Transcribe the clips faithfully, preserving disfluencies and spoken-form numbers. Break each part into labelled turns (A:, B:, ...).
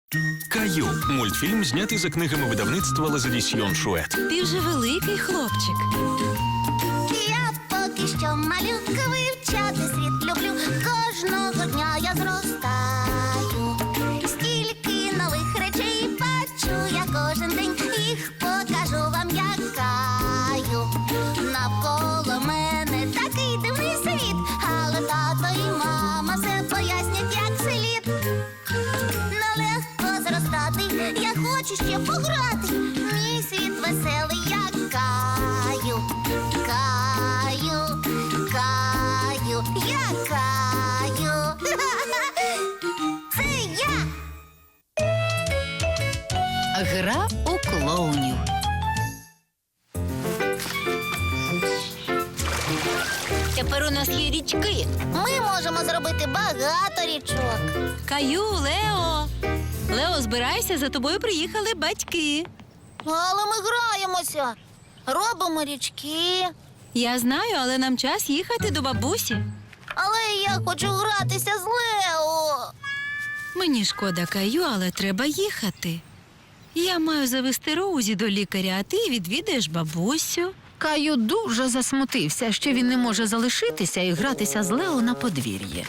A: Каю. Мультфільм знятий за книгами видавництва Лазадісьйон Шует.
B: Ти вже великий хлопчик.
C: Я поки що малютка, вивчати світ люблю. Кожного дня я зростаю. Стільки нових речей бачу я кожен день. Їх покажу вам, як Каю. Навколо мене такий дивний світ, але тато і мама все пояснять, як слід. Нелегко зростати, я хочу ще пограти. Мій світ веселий, як Каю. Каю, Каю, я Каю. Це я.
B: Гра у клоунів. Тепер у нас є річки.
C: Ми можемо зробити багато річок.
B: Каю, Лео. Лео, збирайся, за тобою приїхали батьки.
C: Але ми граємося. Робимо річки.
B: Я знаю, але нам час їхати до бабусі.
C: Але я хочу гратися з Лео.
B: Мені шкода, Каю, але треба їхати. Я маю завести Роузі до лікаря, а ти відвідаєш бабусю.
D: Каю дуже засмутився, що він не може залишитися і гратися з Лео на подвір'ї.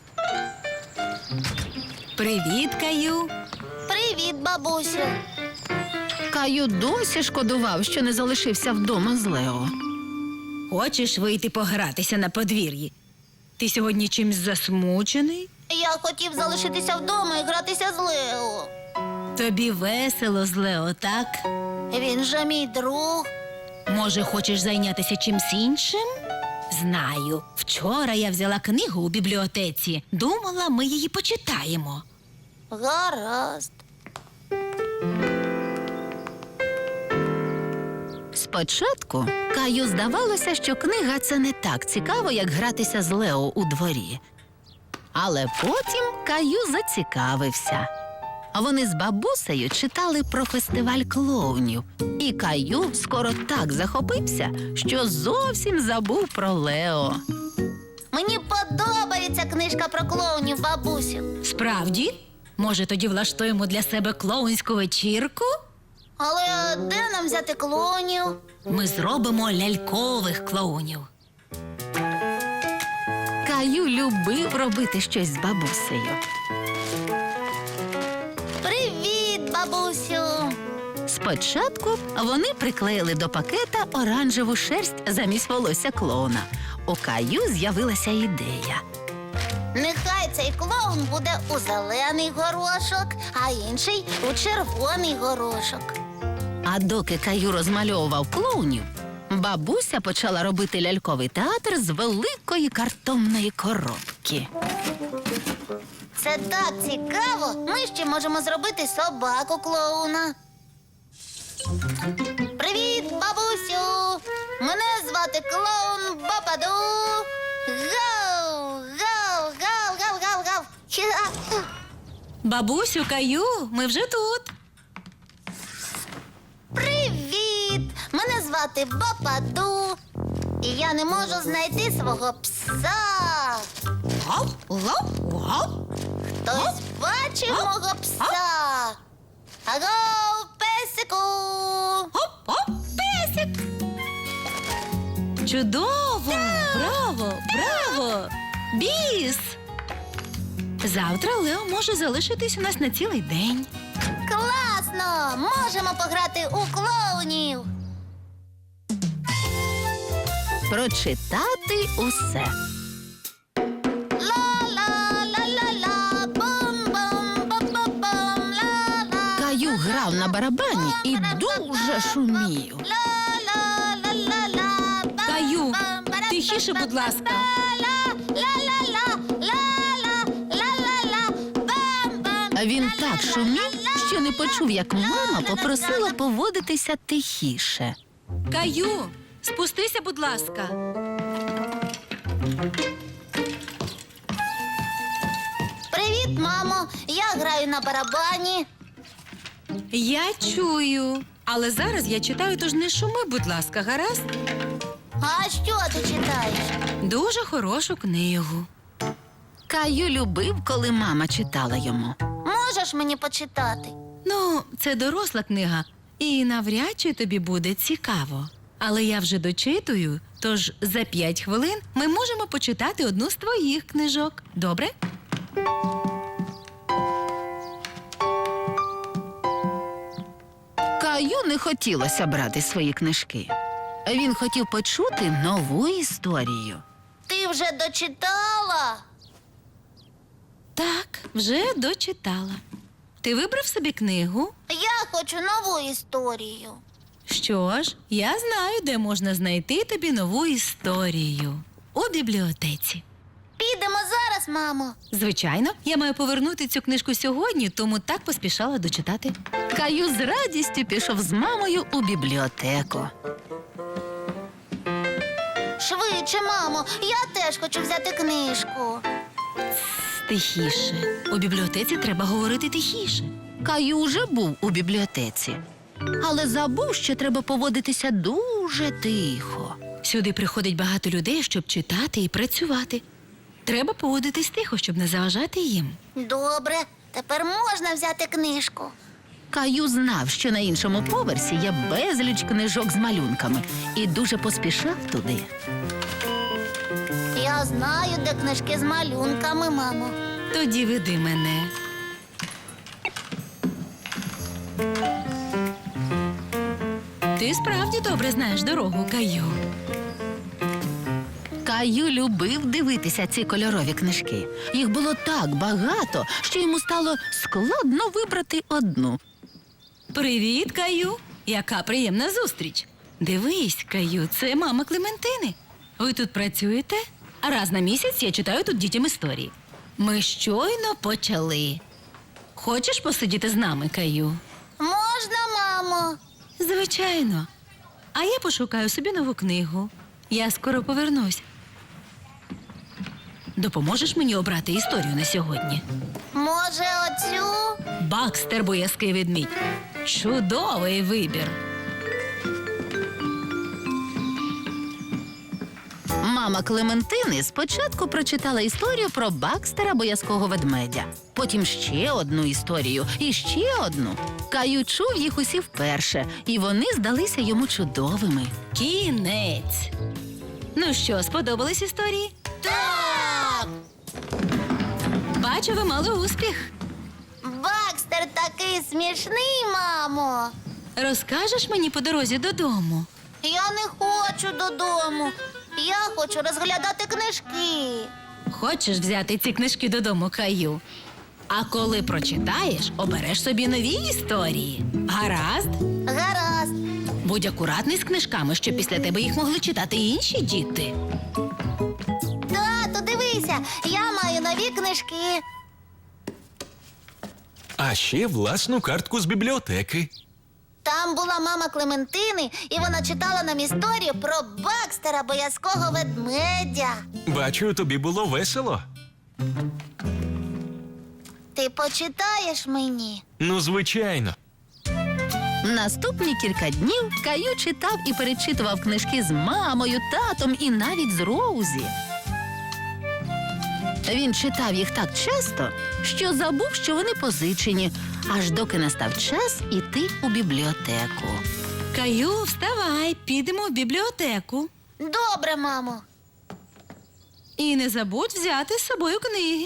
B: Привіт, Каю.
C: Привіт, бабусю.
D: Каю досі шкодував, що не залишився вдома з Лео.
B: Хочеш вийти погратися на подвір'ї? Ти сьогодні чимсь засмучений?
C: Я хотів залишитися вдома і гратися з Лео.
B: Тобі весело з Лео, так?
C: Він же мій друг.
B: Може, хочеш зайнятися чимсь іншим? Знаю. Вчора я взяла книгу у бібліотеці. Думала, ми її почитаємо.
C: Гаразд.
D: Спочатку Каю здавалося, що книга – це не так цікаво, як гратися з Лео у дворі. Але потім Каю зацікавився. Вони з бабусею читали про фестиваль клоунів. І Каю скоро так захопився, що зовсім забув про Лео.
C: Мені подобається книжка про клоунів, бабусю.
B: Справді? Може, тоді влаштуємо для себе клоунську вечірку?
C: Але де нам взяти клоунів?
B: Ми зробимо лялькових клоунів.
D: Каю любив робити щось з бабусею.
C: Привіт, бабусю.
D: Спочатку вони приклеїли до пакета оранжеву шерсть замість волосся клоуна. У Каю з'явилася ідея.
C: Нехай цей клоун буде у зелений горошок, а інший у червоний горошок.
D: А доки Каю розмальовував клоунів, бабуся почала робити ляльковий театр з великої картонної коробки.
C: Це так цікаво. Ми ще можемо зробити собаку клоуна. Привіт, бабусю! Мене звати клоун Бападу. Гау! Гау! Гау! Гау! Гау! Гау! Хі-ха!
B: Бабусю, Каю, ми вже тут.
C: Привіт! Мене звати Бападу. І я не можу знайти свого пса.
B: Гав, гав, гав.
C: Хтось бачив мого пса? Аго, песику!
B: Оп-оп, песик. Чудово! Браво! Браво! Біс! Завтра Лео може залишитись у нас на цілий день.
C: Класно! Можемо пограти у клоунів.
D: Прочитати усе.
C: Ла-ла-ла-ла-ла, бум-бум-бум-бум-бум, ла-ла.
D: Каю грав на барабані і дуже шумів.
C: Ла-ла-ла-ла-ла, бам,
B: Каю,
C: бам, барам,
B: тихіше,
C: бам,
B: будь ласка.
C: ла-ла-ла-ла, ла-ла-ла-ла-ла, бам, бам,
D: А він так шумів, що не почув, як мама
C: ла-ла-ла-ла.
D: попросила поводитися тихіше.
B: Каю, спустися, будь ласка.
C: Привіт, мамо. Я граю на барабані.
B: Я чую. Але зараз я читаю, тож не шуми, будь ласка, гаразд?
C: А що ти читаєш?
B: Дуже хорошу книгу.
D: Каю любив, коли мама читала йому.
C: можеш мені почитати?
B: Ну, це доросла книга, і навряд чи тобі буде цікаво. Але я вже дочитую, тож за п'ять хвилин ми можемо почитати одну з твоїх книжок. Добре?
D: Каю не хотілося брати свої книжки. Він хотів почути нову історію.
C: Ти вже дочитала?
B: Так, вже дочитала. Ти вибрав собі книгу?
C: Я хочу нову історію.
B: Що ж, я знаю, де можна знайти тобі нову історію. У бібліотеці.
C: Підемо зараз, мамо.
B: Звичайно, я маю повернути цю книжку сьогодні, тому так поспішала дочитати.
D: Каю з радістю пішов з мамою у бібліотеку.
C: Швидше, мамо, я теж хочу взяти книжку.
B: Тихіше. У бібліотеці треба говорити тихіше.
D: Каю вже був у бібліотеці, але забув, що треба поводитися дуже тихо.
B: Сюди приходить багато людей, щоб читати і працювати. Треба поводитись тихо, щоб не заважати їм.
C: Добре, тепер можна взяти книжку.
D: Каю знав, що на іншому поверсі є безліч книжок з малюнками, і дуже поспішав туди.
C: Я знаю, де книжки з малюнками, мамо.
B: Тоді веди мене. Ти справді добре знаєш дорогу, Каю.
D: Каю любив дивитися ці кольорові книжки. Їх було так багато, що йому стало складно вибрати одну.
B: Привіт, Каю. Яка приємна зустріч. Дивись, Каю, це мама Клементини. Ви тут працюєте? А раз на місяць я читаю тут дітям історії. Ми щойно почали. Хочеш посидіти з нами, Каю?
C: Можна, мамо?
B: Звичайно. А я пошукаю собі нову книгу. Я скоро повернусь. Допоможеш мені обрати історію на сьогодні?
C: Може, оцю?
B: Бакстер, боязкий ведмідь. Чудовий вибір.
D: Мама Клементини спочатку прочитала історію про Бакстера боязкого ведмедя, потім ще одну історію і ще одну. Каю чув їх усі вперше, і вони здалися йому чудовими.
B: Кінець. Ну що, сподобались історії?
C: Так!
B: Бачу, ви мали успіх.
C: Бакстер такий смішний, мамо.
B: Розкажеш мені по дорозі додому?
C: Я не хочу додому. Я хочу розглядати книжки.
B: Хочеш взяти ці книжки додому, Каю? А коли прочитаєш, обереш собі нові історії. Гаразд?
C: Гаразд.
B: Будь акуратний з книжками, щоб після тебе їх могли читати і інші діти.
C: Тату, дивися, я маю нові книжки.
A: А ще власну картку з бібліотеки.
C: Там була мама Клементини, і вона читала нам історію про Бакстера боязкого ведмедя.
A: Бачу, тобі було весело.
C: Ти почитаєш мені?
A: Ну, звичайно.
D: Наступні кілька днів Каю читав і перечитував книжки з мамою, татом і навіть з Роузі. Він читав їх так часто, що забув, що вони позичені, аж доки настав час іти у бібліотеку.
B: Каю, вставай, підемо в бібліотеку.
C: Добре, мамо.
B: І не забудь взяти з собою книги.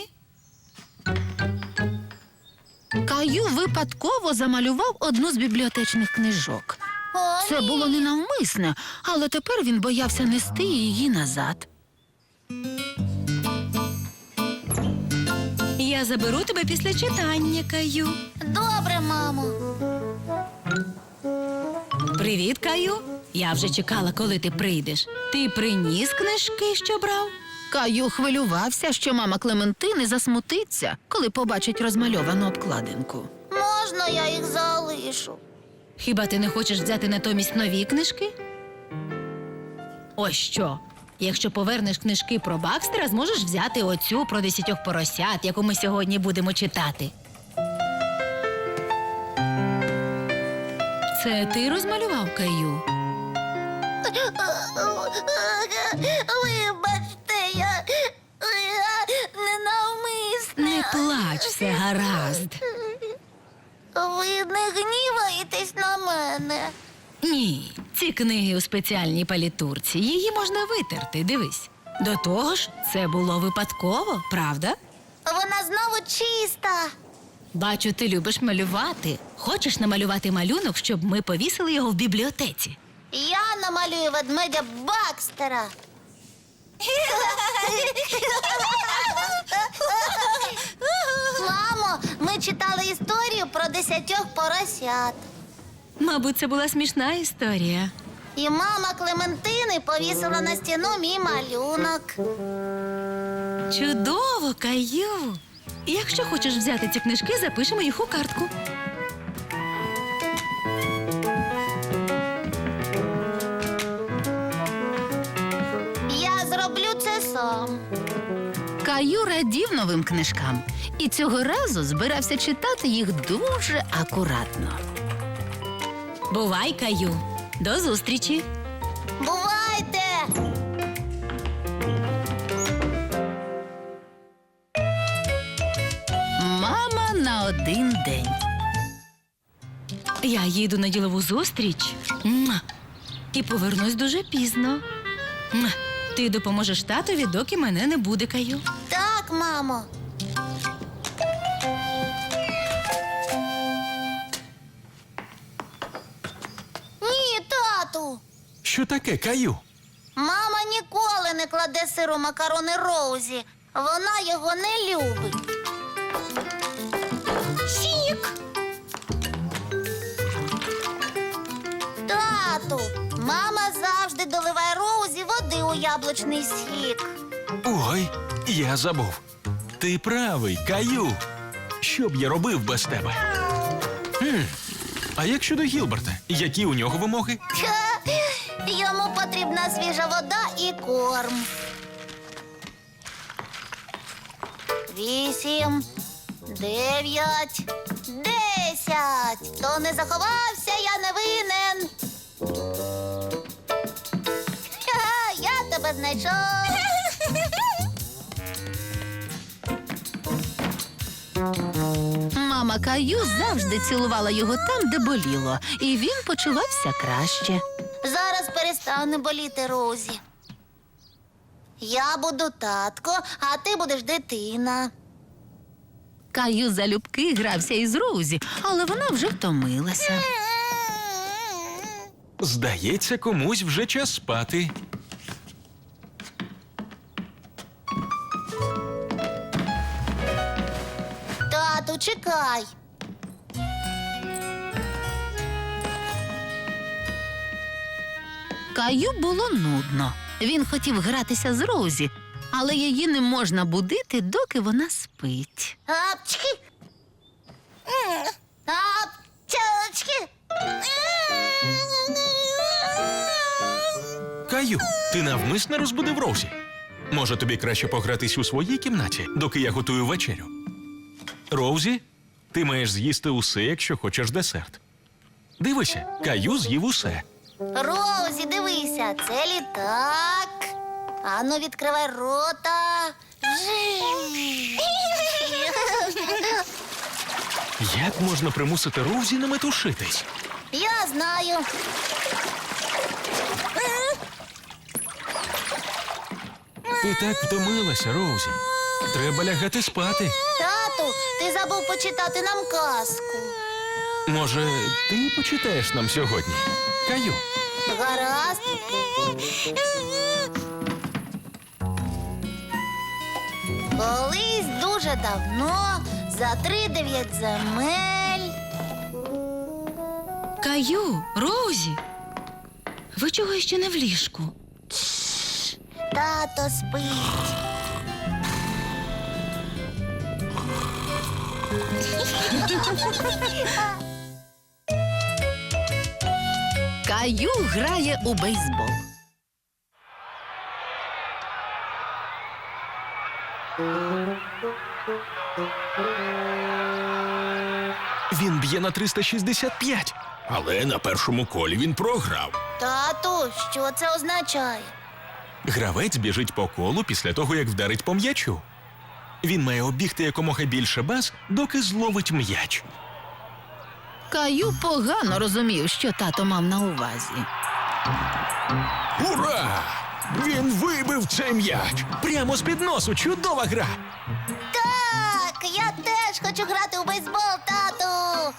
D: Каю випадково замалював одну з бібліотечних книжок.
C: О,
D: Це
C: ні.
D: було ненавмисне, але тепер він боявся нести її назад.
B: Я заберу тебе після читання, Каю.
C: Добре, мамо.
B: Привіт, Каю. Я вже чекала, коли ти прийдеш. Ти приніс книжки, що брав?
D: Каю хвилювався, що мама Клементини засмутиться, коли побачить розмальовану обкладинку.
C: Можна я їх залишу?
B: Хіба ти не хочеш взяти натомість нові книжки? Ось що. Якщо повернеш книжки про Бакстера, зможеш взяти оцю про десятьох поросят, яку ми сьогодні будемо читати. Це ти розмалював, Каю?
C: Вибачте, я, я ненавмисне.
B: Не плач, все гаразд.
C: Ви не гніваєтесь на мене.
B: Ні, ці книги у спеціальній палітурці. Її можна витерти, дивись. До того ж, це було випадково, правда?
C: Вона знову чиста.
B: Бачу, ти любиш малювати. Хочеш намалювати малюнок, щоб ми повісили його в бібліотеці?
C: Я намалюю ведмедя Бакстера. Мамо, ми читали історію про десятьох поросят.
B: Мабуть, це була смішна історія.
C: І мама Клементини повісила на стіну мій малюнок.
B: Чудово, Каю! Якщо хочеш взяти ці книжки, запишемо їх у картку.
C: Я зроблю це сам.
D: Каю радів новим книжкам і цього разу збирався читати їх дуже акуратно.
B: Бувай, Каю! До зустрічі!
C: Бувайте!
D: Мама на один день.
B: Я їду на ділову зустріч Муа. І повернусь дуже пізно. Муа. Ти допоможеш татові, доки мене не буде, Каю.
C: Так, мамо. Ні, тату.
A: Що таке, Каю?
C: Мама ніколи не кладе сиру макарони Роузі. Вона його не любить. Сік. Тату, мама завжди доливає Роузі води у яблучний сік.
A: Ой, я забув. Ти правий, Каю. Що б я робив без тебе? Хм. А як щодо Гілберта? Які у нього вимоги?
C: Ха, йому потрібна свіжа вода і корм. Вісім, дев'ять, десять. Хто не заховався, я не винен. Ха, я тебе знайшов.
D: Мама Каю завжди цілувала його там, де боліло, і він почувався краще.
C: Зараз перестане боліти Розі. Я буду татко, а ти будеш дитина.
D: Каю залюбки грався із Роузі, але вона вже втомилася.
A: Здається, комусь вже час спати.
C: Тату, чекай.
D: Каю було нудно. Він хотів гратися з Роузі, але її не можна будити, доки вона спить.
C: Апчки. Апчки.
A: Каю, ти навмисно розбудив Роузі. Може, тобі краще погратись у своїй кімнаті, доки я готую вечерю. Роузі, ти маєш з'їсти усе, якщо хочеш десерт. Дивися, Каю з'їв усе.
C: Розі, дивися, це літак. Ану, відкривай рота.
A: Як можна примусити Роузі не метушитись?
C: Я знаю.
A: Ти так втомилася, Роузі. Треба лягати спати.
C: Тату, ти забув почитати нам казку.
A: Може, ти почитаєш нам сьогодні? Каю.
C: Гаразд. Колись дуже давно, за три дев'ять земель.
B: Каю, Роузі, ви чого ще не в ліжку?
C: Тато спить.
D: Каю грає у бейсбол.
A: Він б'є на триста шістдесят п'ять. Але на першому колі він програв.
C: Тату, що це означає?
A: Гравець біжить по колу після того, як вдарить по м'ячу. Він має обігти якомога більше баз, доки зловить м'яч.
D: Каю погано розумів, що тато мав на увазі.
A: Ура! Він вибив цей м'яч! Прямо з-під носу! Чудова гра!
C: Так, я теж хочу грати у бейсбол, тату.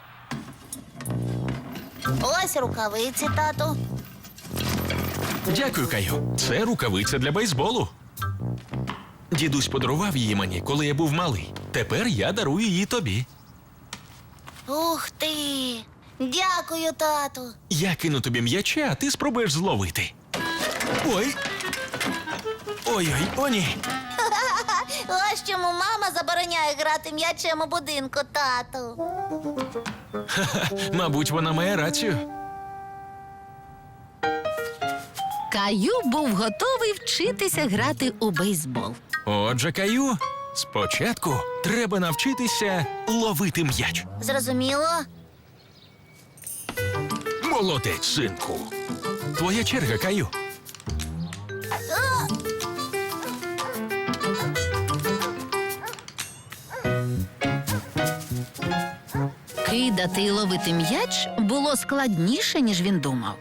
C: Ось рукавиці, тату.
A: Дякую, Каю. Це рукавиця для бейсболу. Дідусь подарував її мені, коли я був малий. Тепер я дарую її тобі.
C: Ух ти! Дякую, тату.
A: Я кину тобі м'яча, а ти спробуєш зловити. Ой. Ой-ой, о ні.
C: Ось чому мама забороняє грати м'ячем у будинку, тату.
A: Мабуть, вона має рацію.
D: Каю був готовий вчитися грати у бейсбол.
A: Отже, Каю, спочатку треба навчитися ловити м'яч.
C: Зрозуміло?
A: Молодець, синку. Твоя черга, Каю.
D: Кидати і ловити м'яч було складніше, ніж він думав.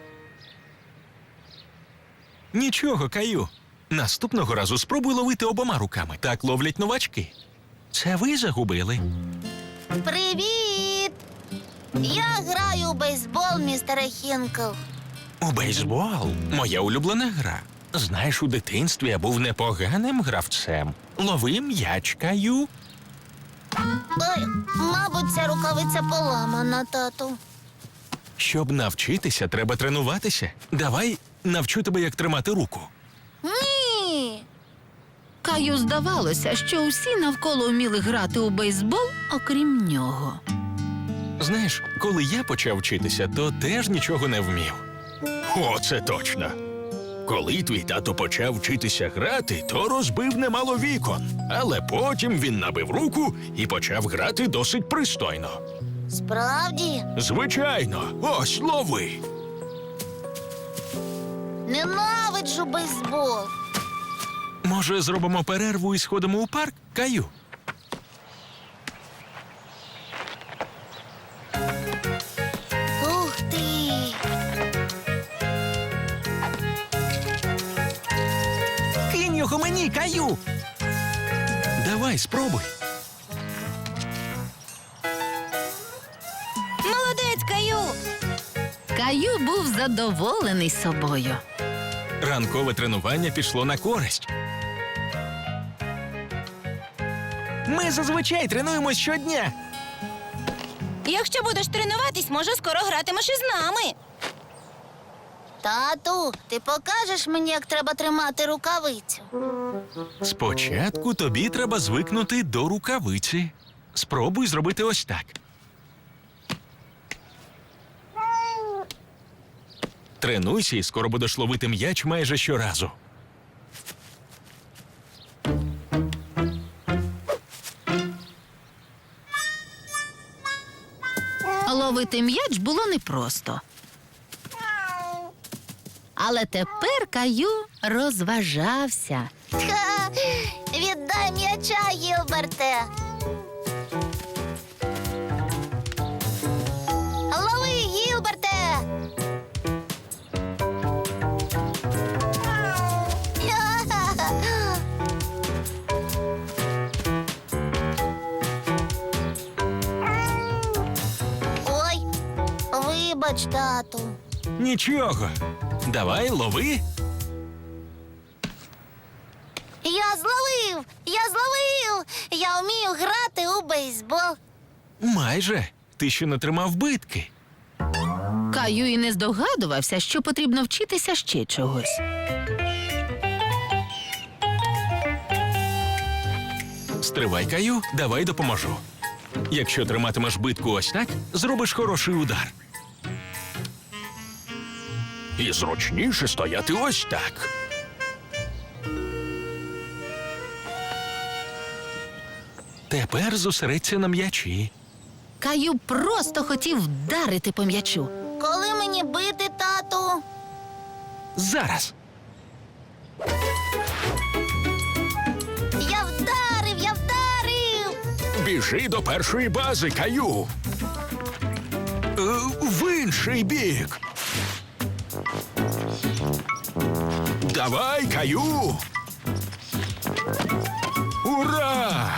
A: Нічого, Каю. Наступного разу спробуй ловити обома руками. Так ловлять новачки. Це ви загубили.
C: Привіт! Я граю у бейсбол, містере Хінкл.
A: У бейсбол моя улюблена гра. Знаєш, у дитинстві я був непоганим гравцем. Лови м'яч, Каю.
C: Ой, мабуть, ця рукавиця поламана, тату.
A: Щоб навчитися, треба тренуватися. Давай навчу тебе, як тримати руку.
C: Ні!
D: Каю здавалося, що усі навколо вміли грати у бейсбол, окрім нього.
A: Знаєш, коли я почав вчитися, то теж нічого не вмів. О, це точно. Коли твій тато почав вчитися грати, то розбив немало вікон. Але потім він набив руку і почав грати досить пристойно.
C: Справді?
A: Звичайно, ось лови.
C: Ненавиджу бейсбол.
A: Може, зробимо перерву і сходимо у парк, Каю?
C: Ух ти!
A: Кинь його мені, Каю. Давай, спробуй.
B: Молодець, Каю!
D: Каю був задоволений собою.
A: Ранкове тренування пішло на користь. Ми зазвичай тренуємось щодня.
B: Якщо будеш тренуватись, може, скоро гратимеш із нами.
C: Тату, ти покажеш мені, як треба тримати рукавицю?
A: Спочатку тобі треба звикнути до рукавиці. Спробуй зробити ось так. Тренуйся і скоро будеш ловити м'яч майже щоразу.
D: Ловити м'яч було непросто. Але тепер Каю розважався.
C: Ха! Віддай м'яча, Гілберте. Лови, Гілберте. Ой, вибач, тату.
A: Нічого. Давай, лови.
C: Я зловив! Я зловив! Я вмію грати у бейсбол.
A: Майже. Ти ще не тримав битки.
D: Каю і не здогадувався, що потрібно вчитися ще чогось.
A: Стривай, Каю, давай допоможу. Якщо триматимеш битку ось так, зробиш хороший удар. І зручніше стояти ось так. Тепер зосередься на м'ячі.
D: Каю просто хотів вдарити по м'ячу.
C: Коли мені бити, тату?
A: Зараз.
C: Я вдарив, я вдарив!
A: Біжи до першої бази, Каю. в інший бік. Давай, Каю! Ура!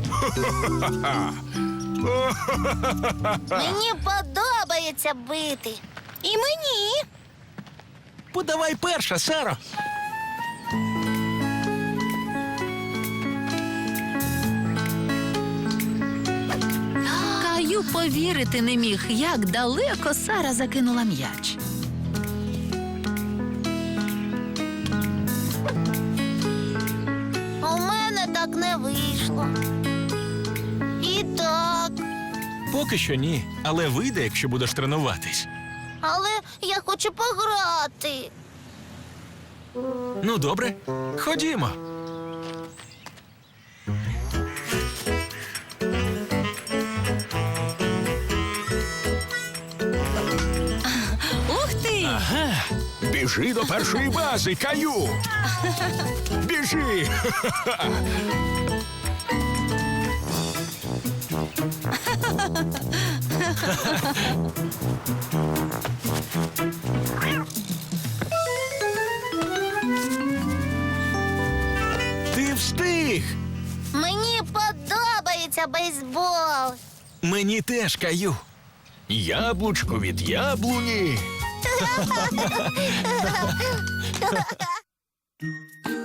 C: Мені подобається бити.
B: І мені.
A: Подавай перша, Саро.
D: Каю повірити не міг, як далеко Сара закинула м'яч.
C: У мене так не вийшло. І так.
A: Поки що ні, але вийде, якщо будеш тренуватись.
C: Але я хочу пограти.
A: Ну, добре, ходімо.
B: Ух ти!
A: Ага. Біжи до першої бази, Каю. Біжи. Ти встиг.
C: Мені подобається бейсбол.
A: Мені теж, Каю. Яблучко від яблуні.